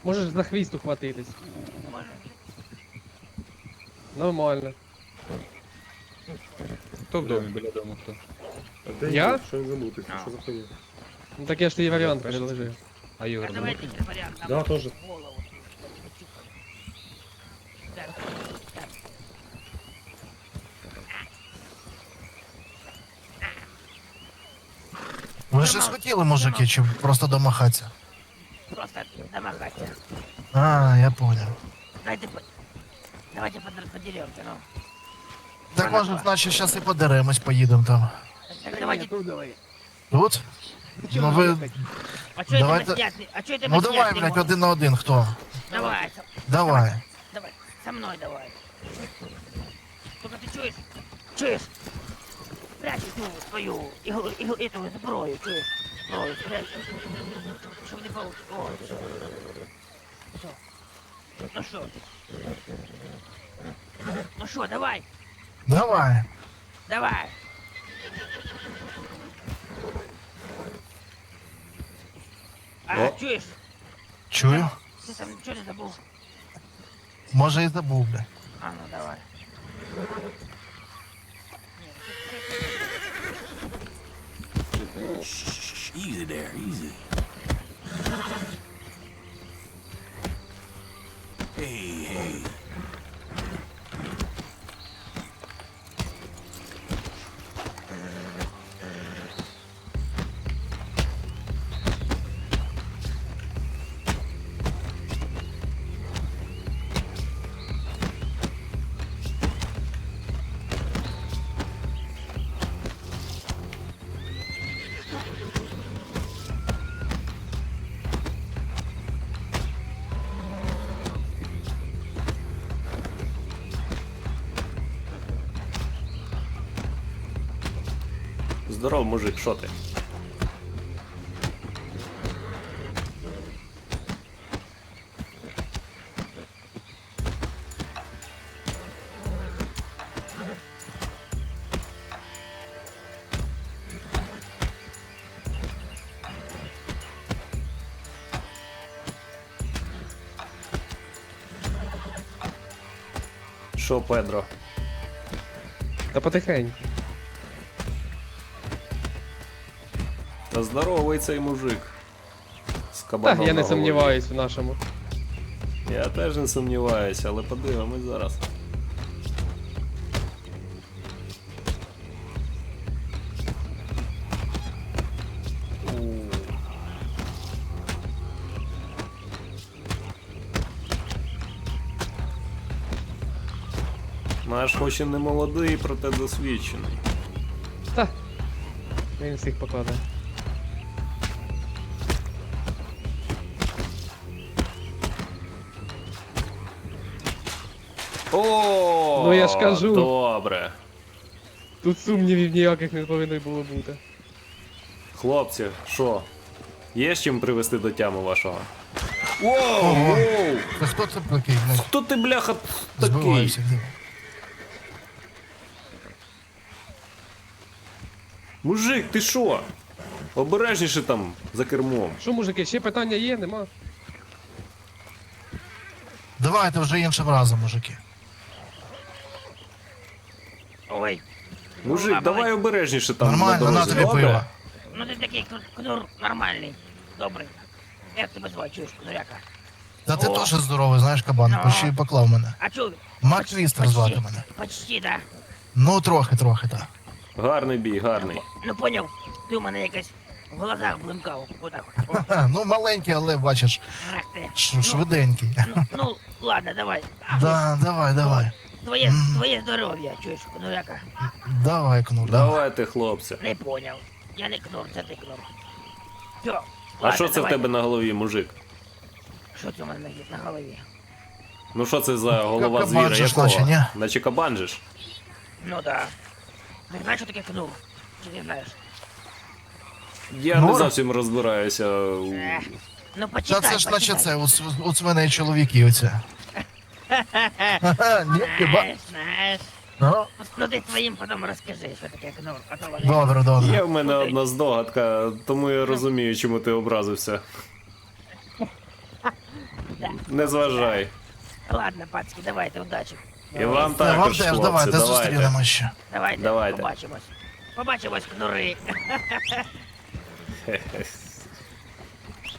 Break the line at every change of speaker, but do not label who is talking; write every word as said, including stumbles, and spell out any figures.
Можеш за хвіст ухватитись.
Може.
Нормально.
Хто в домі біля дому, хто?
А де
Я?
Ігор? Що він замутився? Що за хуйня?
Ну так я ж тобі варіант предложив.
А
А
Ігор дома?
давайте ще варіант.
Да, тоже.
Голову. Так, так.
Ви щось хотіли, мужики, чи просто домахатися?
Просто домахаться.
А, я понял.
Дайте по... Давайте под- подеремся, ну.
Так може, значить, зараз і подеремось, поїдемо там.
Так давайте...
Тут? Ну ви.
А чё это
Давайте-
мы снятли? А чё это мы
Ну давай,
снятли
блядь,
можем?
один на один, хто?
Давай, со-
Давай.
давай, со мной давай. Только ты чуешь? Чуешь? Прячь эту свою, игл, игл, эту зброю, чуешь? Зброю, спрячь. Чтоб не получилось. О, всё. Всё. Ну что? Ну что, давай,
Давай.
давай. А,
О.
чуешь?
Чую.
Ты там ничего не забыл?
Може і забув, блядь.
А, ну давай.
Easy there, easy. Hey, hey.
Здоров, мужик, що ти? Що, Педро?
Та потихеньку.
Та здоровий цей мужик. З
Так,
кабаном
я
на
не
голові.
сумніваюсь в нашому.
Я теж не сумніваюся, але подивимось зараз. Наш хоч і не молодий, проте досвідчений.
Та. Він всіх покладає.
О,
Ну, я ж кажу.
Добре.
Тут сумнівів ніяких не повинно було бути.
Хлопці, що? Є з чим привести до тями вашого? Воу,
Ого.
воу!
Та хто це такий, блядь?
Хто ти, бляха, такий?
Збиваєшся.
Мужик, ти що? Обережніше там за кермом.
Що, мужики, ще питання є, нема?
Давайте вже іншим разом, мужики.
Ой.
Мужик,
Баба,
давай обережніше там.
Нормально,
на
на
дорозі,
тобі
добре?
пиво.
Ну ты такий кну- кнур нормальний, добрий. Як тебе звати, чуєш, кнуряка?
Та ти
О.
теж здоровий, знаєш, кабан,
Ну.
почти поклав мене.
А чу?
Мак Твістер звати мене.
Почти, да.
Ну, трохи, трохи, так.
Гарний бій, гарний.
Ну поняв, ти у мене якось в глазах блимкав. Отак. О,
Ха, ну, маленький, але бачиш,
ах ти.
ш- швиденький.
Ну, ну, ладно, давай. А,
Да, давай, давай.
Твоє,
М.
твоє здоров'я, чуєш, кнуряка?
Давай, кнур. давай.
Давайте, хлопці.
Не поняв. Я не кнур, це ти кнур. Все,
А
ладно,
що це в
давай.
тебе на голові, мужик?
Що це у мене на- на голові?
Ну що це за голова
Кабан
звіра?
же ж
Якого?
наче, ні?
Наче кабан же ж?
Ну да. Ти знаєш, що таке кнур? Чи не знаєш?
Я не
Ну,
зовсім розбираюся. у-
Ех, ну
Та
почитай,
це ж наче
почитай.
це, у, св- у свиней чоловіки оце. Ха-ха, ні, хіба?
Знаєш, знаєш.
Ну,
Ну ти своїм потім розкажи, що таке кнур. А то вони...
добре, добре.
Є в мене одна здогадка, тому я розумію, чому ти образився. Не зважай.
Ладно, пацки, давайте, удачі.
І вам
Та вам
також,
теж,
хлопці,
давайте,
давайте.
зустрінемо ще.
Давайте,
Давайте.
побачимось. Побачимось, кнури.
Хе-хе.